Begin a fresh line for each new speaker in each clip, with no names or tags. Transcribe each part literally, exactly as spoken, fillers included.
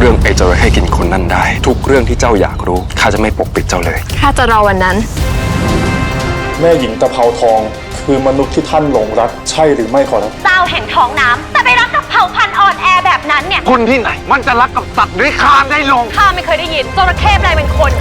รื่องไอ้จระเข้กินคนนั่นได้ทุกเรื่องที่เจ้าอยากรู้ข้าจะไม่ปกปิดเจ้าเลย
ข้าจะรอวันนั้น
แม่หญิงตะเภาทองคือมนุษย์ที่ท่านหลงรักใช่หรือไม่ขอรับ
เจ้าแห่งท้องน้ำแต่ไปรักกับเผ่าพันธุ์อ่อนแอแบบนั้นเนี่ย
คนที่ไหนมันจะรักกับสัตว์ด้วยคานได้ลง
ข้าไม่เคยได้ยินจระเข้ใดเป็นคน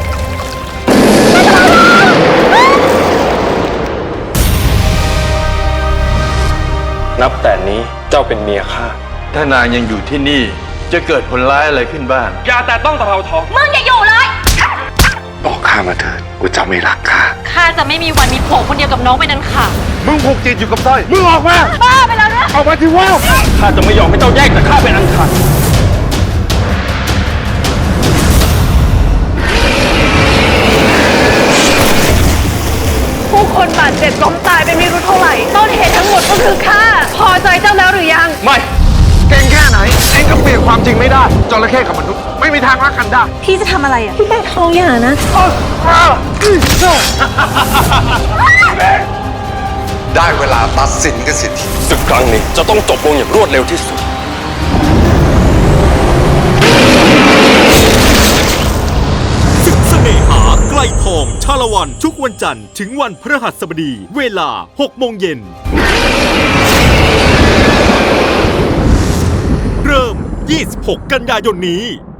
นับแต่นี้เจ้าเป็นเมียข้า
ถ้านางยังอยู่ที่นี่จะเกิดผลร้ายอะไรขึ้นบ้าง
อย่าแต่ต้องตะเภาทอง
มึงอย่าอยู่เลย
บอกข้ามาเถิดว่าเจ้าไม่รักข้า
ข้าจะไม่มีวันมีผัวคนเดียวกับน้องไปนั้นค่ะ
มึงผูกจิตอยู่กับสร้อยมึงออกมา
บ้าไปแล้วนะ
ออกมาที่ว่า
ข้าจะไม่ยอมให้เจ้าแยกจากข้าเป็นอันขาด
ผู้คนบาดเจ็บล้มตายไปไม่รู้เท่าไหร่ต้นเหตุทั้งหมดก็คือข้าพอใจเจ้าแล้วหรือยัง
ไม่
เก่งแค่ไหนเองก็เปลี่ยนความจริงไม่ได้จระเข้กับมนุษย์ไม่มีทางรักกันได้
พี่จะทำอะไรอ่ะพี่แม่ท้องอย่านะ
ได้เวลาตัดสินกันสิที
ศึกครั้งนี้จะต้องจบลงอย่างรวดเร็วที่สุด
ศึกเสน่หาไกลทองชาละวันทุกวันจันทร์ถึงวันพฤหัสบดีเวลาหกโมงเย็นเริ่มยี่สิบหกกันยายนนี้